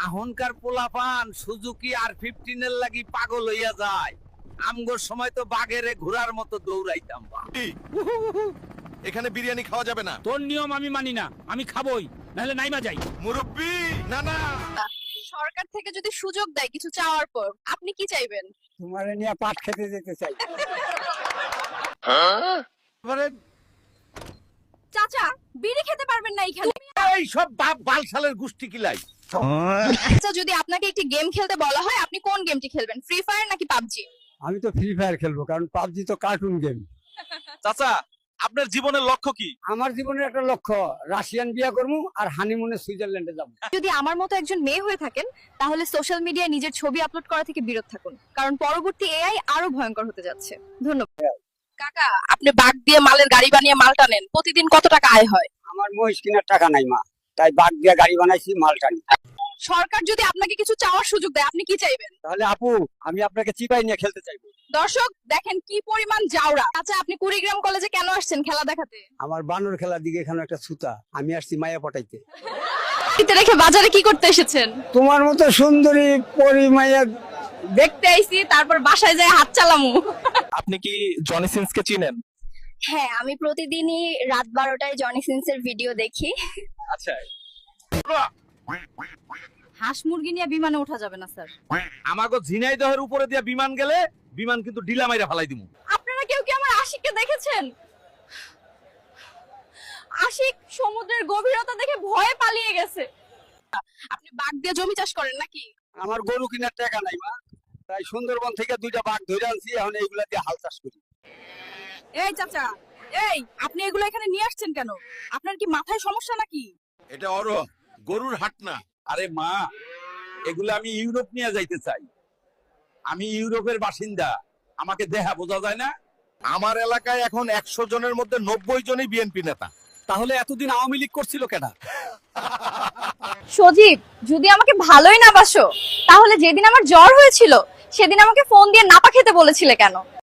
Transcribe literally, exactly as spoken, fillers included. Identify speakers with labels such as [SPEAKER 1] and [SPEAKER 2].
[SPEAKER 1] আহনকার পোলাপান সুজুকি আর ফিফটিন এর লাগি পাগল হইয়া যায়। আমগোর সময় তো বাঘেরে ঘোড়ার মতো দৌড়াইতাম। বা
[SPEAKER 2] এখানে বিরিয়ানি খাওয়া যাবে না।
[SPEAKER 3] তোর নিয়ম আমি মানি না, আমি খাবই, নাহলে নাইমা যাই।
[SPEAKER 2] মুরব্বি না না,
[SPEAKER 4] সরকার থেকে যদি সুযোগ দেয় কিছু চাওয়ার পর আপনি কি চাইবেন?
[SPEAKER 5] তোমারে নিয়ে পাট খেতে যেতে চাই।
[SPEAKER 4] চাচা বিড়ি খেতে পারবেন না এখানে।
[SPEAKER 1] এই সব বাপ বালশালের গোষ্ঠী কিলাই।
[SPEAKER 4] আচ্ছা, যদি আপনাকে একটি গেম খেলতে বলা হয় আপনি কোন গেমটি খেলবেন, ফ্রি ফায়ার নাকি পাবজি?
[SPEAKER 5] আমি তো ফ্রি ফায়ার খেলবো, কারণ পাবজি তো কার্টুন গেম।
[SPEAKER 2] চাচা আপনার জীবনের লক্ষ্য কি?
[SPEAKER 5] আমার জীবনের একটা লক্ষ্য রাশিয়ান বিয়া করবো আর হানিমুনে সুইজারল্যান্ডে যাবো।
[SPEAKER 4] যদি আমার মতো একজন মেয়ে হয়ে থাকেন তাহলে সোশ্যাল মিডিয়ায় নিজের ছবি আপলোড করা থেকে বিরত থাকুন, কারণ পরবর্তী এআই আরো ভয়ঙ্কর হতে যাচ্ছে। ধন্যবাদ। কাকা, আপনি বাগ দিয়ে মালের গাড়ি বানিয়ে মাল টানেন, প্রতিদিন কত টাকা আয় হয়?
[SPEAKER 5] আমার মহিষ কেনার টাকা নাই মা, তাই বাগ দিয়া গাড়ি বানাইছি, মাল টানি।
[SPEAKER 4] সরকার যদি আপনাকে কিছু চাওয়ার সুযোগ দেয় আপনি কি চাইবেন?
[SPEAKER 5] তাহলে আপু আমি আপনাকে চিপাই নিয়ে খেলতে চাইবো।
[SPEAKER 4] দর্শক দেখেন কি পরিমাণ জাউরা। আচ্ছা, আপনি কুড়িগ্রাম কলেজে কেন আসছেন খেলা দেখাতে?
[SPEAKER 5] আমার বানর খেলার দিকে এখানে একটা সুতা, আমি আসছি মায়া পটাইতে।
[SPEAKER 4] বাড়িতে রেখে বাজারে কি করতে এসেছেন?
[SPEAKER 5] তোমার মতো সুন্দরী পরি মায়া
[SPEAKER 4] দেখতে আইছি, তারপর বাসায় যায় হাত চালামু।
[SPEAKER 2] আপনি কি জনি সিন্সকে চিনেন?
[SPEAKER 6] হ্যাঁ, আমি প্রতিদিনই রাত বারোটায় জনি সিন্সের ভিডিও দেখি।
[SPEAKER 2] আচ্ছা,
[SPEAKER 4] হাঁস মুরগি নিয়ে বিমানে ওঠা যাবে না স্যার।
[SPEAKER 1] আমাগো ঝিনাইদহের উপরে দিয়া বিমান গেলে বিমান কিন্তু ডিলা মাইরা ফালাই দিমু।
[SPEAKER 4] আপনারা কেউ কি আমার আশিককে দেখেছেন? আশিক সমুদ্রের গভীরতা দেখে ভয়ে পালিয়ে গেছে। আপনি বাঘ দিয়ে জমি চাষ করেন নাকি?
[SPEAKER 5] আমার গরু কেনার টাকা নাই মা, তাই সুন্দরবন থেকে দুইটা বাঘ ধরে আনছি, এখন এইগুলা দিয়ে হাল চাষ করি।
[SPEAKER 4] এই চাচা, এই আপনি এগুলো এখানে নিয়ে আসছেন কেন? আপনার কি মাথায় সমস্যা নাকি?
[SPEAKER 1] এটা অর গরুর হাট না। আরে মা, এগুলো আমি ইউরোপ নিয়ে যাইতে চাই। আমি ইউরোপের বাসিন্দা, আমাকে দেহা বোঝা যায় না।
[SPEAKER 2] আমার এলাকায় এখন একশো জনের মধ্যে নব্বই জনই বিএনপি নেতা।
[SPEAKER 5] তাহলে এতদিন আওয়ামী লীগ করছিল কেনা?
[SPEAKER 4] সজীব, যদি আমাকে ভালোই না বাসো তাহলে যেদিন আমার জ্বর হয়েছিল সেদিন আমাকে ফোন দিয়ে নাপা খেতে বলেছিলে কেন?